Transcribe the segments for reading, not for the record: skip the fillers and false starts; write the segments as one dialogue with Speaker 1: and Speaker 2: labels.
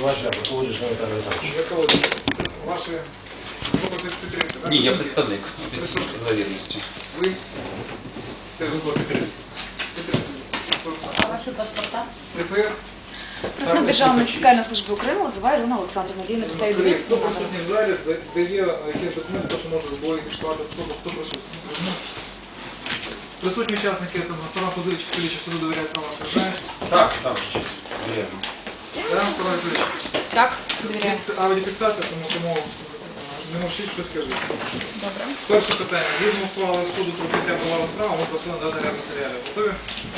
Speaker 1: обвинувачення, а Бакулович Віталій Віталійович.
Speaker 2: Це ваші клопоти підтримки, так?
Speaker 3: Ні, я представник завірності.
Speaker 2: Ви? Теж клопоти підтримки.
Speaker 4: А ваші паспорта?
Speaker 2: ДПС?
Speaker 4: Представник Державної фіскальної служби України Лозова Ірина Олександрівна. Діє на підставі
Speaker 2: Хто
Speaker 4: довідки.
Speaker 2: присутній в залі, дає якісь документи, що може задовольнити особу, хто присутній. Присутні учасники, сама позиція, Куліча суду довіряють права, знаєш?
Speaker 3: Так, вірно.
Speaker 2: Так, справа Куліча.
Speaker 4: Так, довіряю.
Speaker 2: Аудіофіксація, тому не мовчіть, що скажіть.
Speaker 4: Добре.
Speaker 2: Перше питання. Згідно ухвали суду про прийняття права справи, ми просили надати ряд матеріалів. Готові?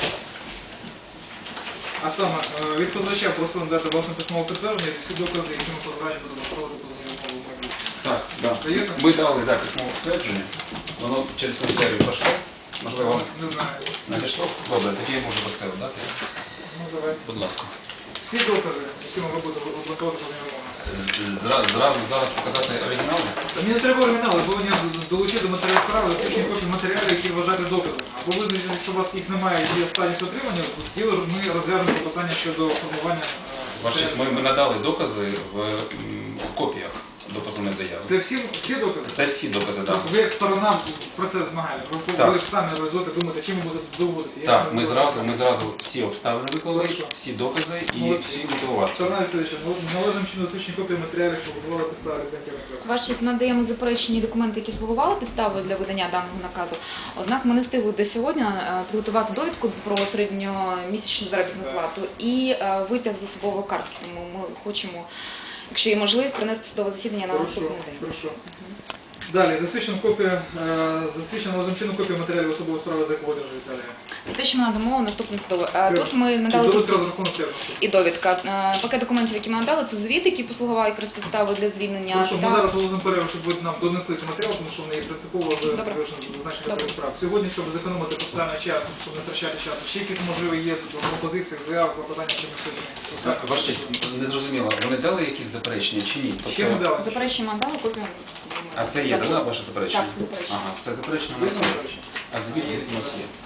Speaker 2: А саме, від позивача просили надати власне письмове підтвердження і всі докази, які ми позивачі будемо проводити позовну мову в майбутньому.
Speaker 3: Так,
Speaker 2: Даєте?
Speaker 3: ми дали письмове підтвердження, воно через канцелярію пройшло, можливо,
Speaker 2: Не знаю.
Speaker 3: надійшло. Добре, тоді я можу це дати.
Speaker 2: Ну, давай.
Speaker 3: Будь ласка.
Speaker 2: Всі докази, які ми будемо обґрунтовувати позовну.
Speaker 3: Зразу зараз показати оригінали?
Speaker 2: Мені не треба оригінали, повинні долучити до матеріалу справи засвідчені копії матеріалів, які вважати доказами. Або ви, якщо у вас їх немає і є стадість отримання, тоді ми розв'яжемо питання щодо формування.
Speaker 3: Ваша честь, ми надали докази в копіях до позовної заяви.
Speaker 2: Це всі докази?
Speaker 3: Це всі докази, так.
Speaker 2: Тобто ви як сторона в процес змагання, ви ж самі реалізуєте, думаєте, чим ви будете доводити.
Speaker 3: Так, ми зразу всі обставини виклали, всі докази і всі мотивації.
Speaker 2: Сторона відповідача, належимо чи засвідчені копії матеріалів, що готували підстави для
Speaker 4: Ваша честь, надаємо заперечені документи, які слугували підставою для видання даного наказу. Однак ми не встигли до сьогодні підготувати довідку про середньомісячну заробітну плату і витяг з особової картки. Тому ми хочемо, якщо є можливість, принести судове засідання на наступний день.
Speaker 2: Хорошо. Далі, засвідчена лазимчину копія матеріалів особової справи, за яку одержує Віталія.
Speaker 4: Це те, що ми надамо наступне судове. Тут ми надали
Speaker 2: Довідка
Speaker 4: тільки
Speaker 2: розрахунок терміну.
Speaker 4: і довідка. Пакет документів, які ми надали, це звіт, який послугував якраз підставою для звільнення.
Speaker 2: Хорошо, ми зараз оголосимо перерву, щоб ви нам донесли цей матеріал, тому що вони є принципово зазначені до справ. Сьогодні, щоб зекономити процесуальний час, щоб не втрачати часу, ще якісь можливі є в пропозиціях, заявах, клопотання, чи ми сьогодні.
Speaker 3: Ваша честь, не зрозуміло, вони дали якісь заперечення чи ні?
Speaker 2: Ще не дали.
Speaker 4: Заперечення ми дали, копію.
Speaker 3: А це є, так, ваше заперечення?
Speaker 4: Так, заперечення.
Speaker 3: Ага, все заперечення у
Speaker 2: Є
Speaker 3: нас є.
Speaker 2: заперечення?
Speaker 3: А звіт у нас є.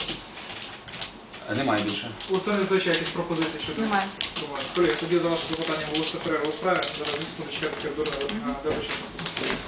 Speaker 3: Немає більше.
Speaker 2: У Олександра Петровича якісь пропозиції щодо?
Speaker 4: Немає.
Speaker 2: Колеги, тоді за ваше запитання оголосити перерву у справі. Зараз 2 секунди чекати коридорного. Дякую, що